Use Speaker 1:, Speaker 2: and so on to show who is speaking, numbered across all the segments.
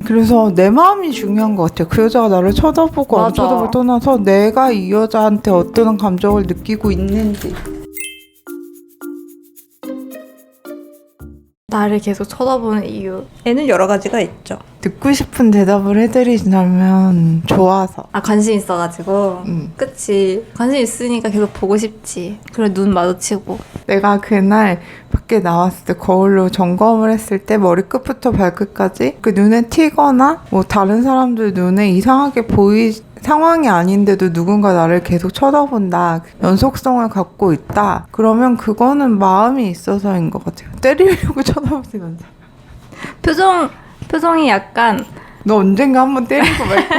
Speaker 1: 그래서 내 마음이 중요한 것 같아요. 그 여자가 나를 쳐다보고 안
Speaker 2: 맞아.
Speaker 1: 쳐다보고 떠나서 내가 이 여자한테 어떤 감정을 느끼고 있는지.
Speaker 2: 나를 계속 쳐다보는 이유에는 여러 가지가 있죠.
Speaker 1: 듣고 싶은 대답을 해드리자면 좋아서.
Speaker 2: 아, 관심 있어가지고. 그치. 관심 있으니까 계속 보고 싶지. 그래, 눈 마주치고.
Speaker 1: 내가 그날 밖에 나왔을 때 거울로 점검을 했을 때 머리끝부터 발끝까지 그 눈에 튀거나 뭐 다른 사람들 눈에 이상하게 상황이 아닌데도 누군가 나를 계속 쳐다본다, 연속성을 갖고 있다, 그러면 그거는 마음이 있어서인 것 같아요. 때리려고 쳐다보진 않아.
Speaker 2: 표정이 약간.
Speaker 1: 너 언젠가 한번 때리고 말까?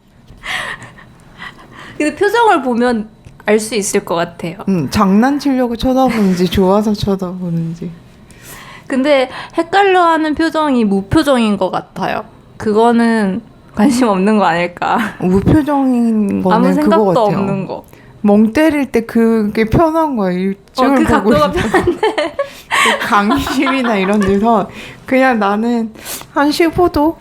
Speaker 2: 근데 표정을 보면 알 수 있을 것 같아요.
Speaker 1: 장난치려고 쳐다보는지 좋아서 쳐다보는지.
Speaker 2: 근데 헷갈려하는 표정이 무표정인 것 같아요. 그거는 관심 없는 거 아닐까.
Speaker 1: 무표정인 거는
Speaker 2: 아무
Speaker 1: 그거
Speaker 2: 생각도
Speaker 1: 같아요.
Speaker 2: 없는 거.
Speaker 1: 멍 때릴 때 그게 편한 거야. 이쪽을
Speaker 2: 그
Speaker 1: 보고
Speaker 2: 각도가
Speaker 1: 있어. 그 강의실이나 이런 데서 그냥 나는 한 15도?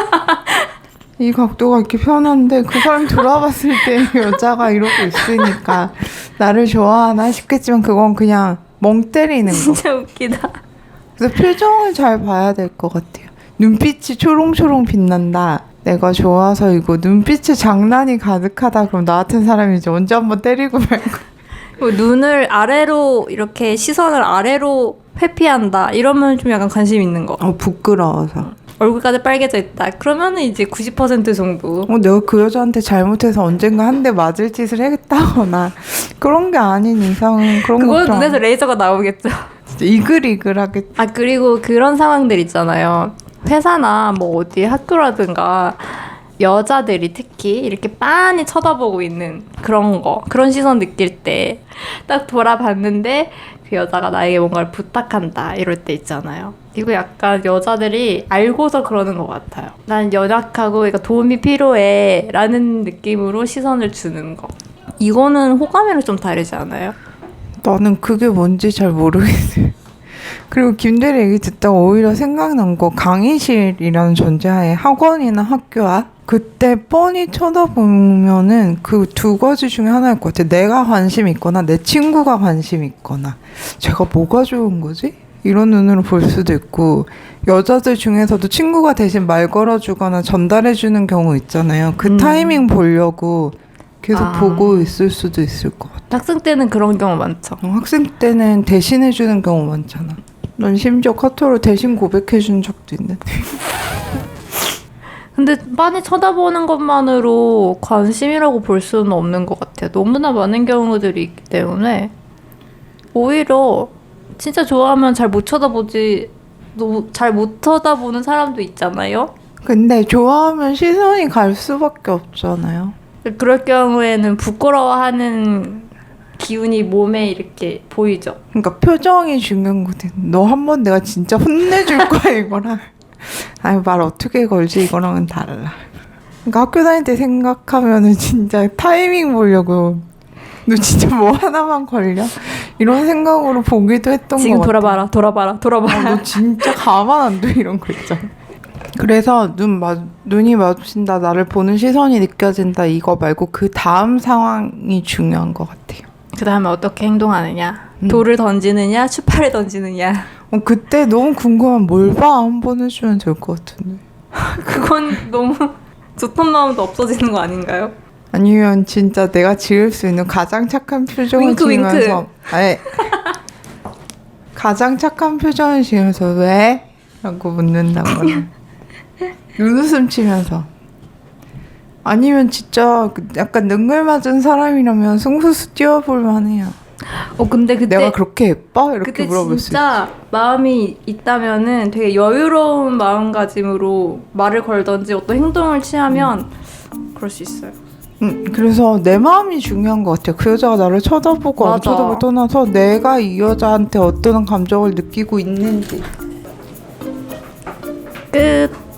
Speaker 1: 이 각도가 이렇게 편한데 그 사람 돌아봤을 때 여자가 이러고 있으니까 나를 좋아하나 싶겠지만 그건 그냥 멍 때리는 거.
Speaker 2: 진짜 웃기다.
Speaker 1: 그래서 표정을 잘 봐야 될 것 같아요. 눈빛이 초롱초롱 빛난다, 내가 좋아서이고 눈빛에 장난이 가득하다, 그럼 나 같은 사람이 이제 언제 한번 때리고 말고.
Speaker 2: 눈을 아래로 이렇게 시선을 아래로 회피한다 이러면 좀 약간 관심 있는 거.
Speaker 1: 부끄러워서.
Speaker 2: 얼굴까지 빨개져 있다 그러면은 이제 90% 정도.
Speaker 1: 내가 그 여자한테 잘못해서 언젠가 한 대 맞을 짓을 했다거나 그런 게 아닌 이상은 그런
Speaker 2: 그건
Speaker 1: 것도
Speaker 2: 눈에서 레이저가 나오겠죠.
Speaker 1: 진짜 이글이글하게.
Speaker 2: 아, 그리고 그런 상황들 있잖아요. 회사나 뭐 어디 학교라든가 여자들이 특히 이렇게 빤히 쳐다보고 있는 그런 시선 느낄 때 딱 돌아봤는데 그 여자가 나에게 뭔가를 부탁한다 이럴 때 있잖아요. 이거 약간 여자들이 알고서 그러는 것 같아요. 난 연약하고 그러니까 도움이 필요해 라는 느낌으로 시선을 주는 거. 이거는 호감이랑 좀 다르지 않아요?
Speaker 1: 나는 그게 뭔지 잘 모르겠어요. 그리고 김대리 얘기 듣다가 오히려 생각난 거, 강의실이라는 존재하에 학원이나 학교 앞 그때 뻔히 쳐다보면은 그 두 가지 중에 하나일 것 같아. 내가 관심 있거나 내 친구가 관심 있거나 제가 뭐가 좋은 거지? 이런 눈으로 볼 수도 있고, 여자들 중에서도 친구가 대신 말 걸어주거나 전달해주는 경우 있잖아요. 그 타이밍 보려고 계속 보고 있을 수도 있을 것 같아.
Speaker 2: 학생 때는 그런 경우 많죠.
Speaker 1: 학생 때는 대신해주는 경우 많잖아. 난 심지어 카톡으로 대신 고백해준 적도 있는데.
Speaker 2: 근데 빤히 쳐다보는 것만으로 관심이라고 볼 수는 없는 것 같아요. 너무나 많은 경우들이 있기 때문에 오히려 진짜 좋아하면 잘 못 쳐다보는 사람도 있잖아요.
Speaker 1: 근데 좋아하면 시선이 갈 수밖에 없잖아요.
Speaker 2: 그럴 경우에는 부끄러워하는 기운이 몸에 이렇게 보이죠.
Speaker 1: 그러니까 표정이 중요한 거든. 너 한 번 내가 진짜 혼내줄 거야 이거랑 아니 말 어떻게 걸지 이거랑은 달라. 그러니까 학교 다닐 때 생각하면은 진짜 타이밍 보려고 너 진짜 뭐 하나만 걸려? 이런 생각으로 보기도 했던 거 같아.
Speaker 2: 지금 돌아봐라.
Speaker 1: 너 진짜 가만 안 둬 이런 거 있잖아. 그래서 눈이 마주친다, 나를 보는 시선이 느껴진다, 이거 말고 그 다음 상황이 중요한 것 같아요.
Speaker 2: 그 다음에 어떻게 행동하느냐, 돌을 던지느냐, 추파를 던지느냐.
Speaker 1: 그때 너무 궁금한 뭘 봐 한번 해주면 될 것 같은데.
Speaker 2: 그건 너무 좋던 마음도 없어지는 거 아닌가요?
Speaker 1: 아니면 진짜 내가 지을 수 있는 가장 착한 표정을
Speaker 2: 윙크,
Speaker 1: 지으면서 아니 가장 착한 표정을 지으면서 왜? 라고 묻는다거나 눈웃음 치면서. 아니면 진짜 약간 능글맞은 사람이라면 승수수 띄워볼 만해요.
Speaker 2: 근데 그때
Speaker 1: 내가 그렇게 예뻐? 이렇게
Speaker 2: 그때
Speaker 1: 물어볼 수 있어.
Speaker 2: 진짜 마음이 있다면은 되게 여유로운 마음가짐으로 말을 걸던지 어떤 행동을 취하면 그럴 수 있어요.
Speaker 1: 그래서 내 마음이 중요한 것 같아요. 그 여자가 나를 쳐다보고 안
Speaker 2: 맞아.
Speaker 1: 쳐다보고 떠나서 내가 이 여자한테 어떤 감정을 느끼고 있는지.
Speaker 2: 끝.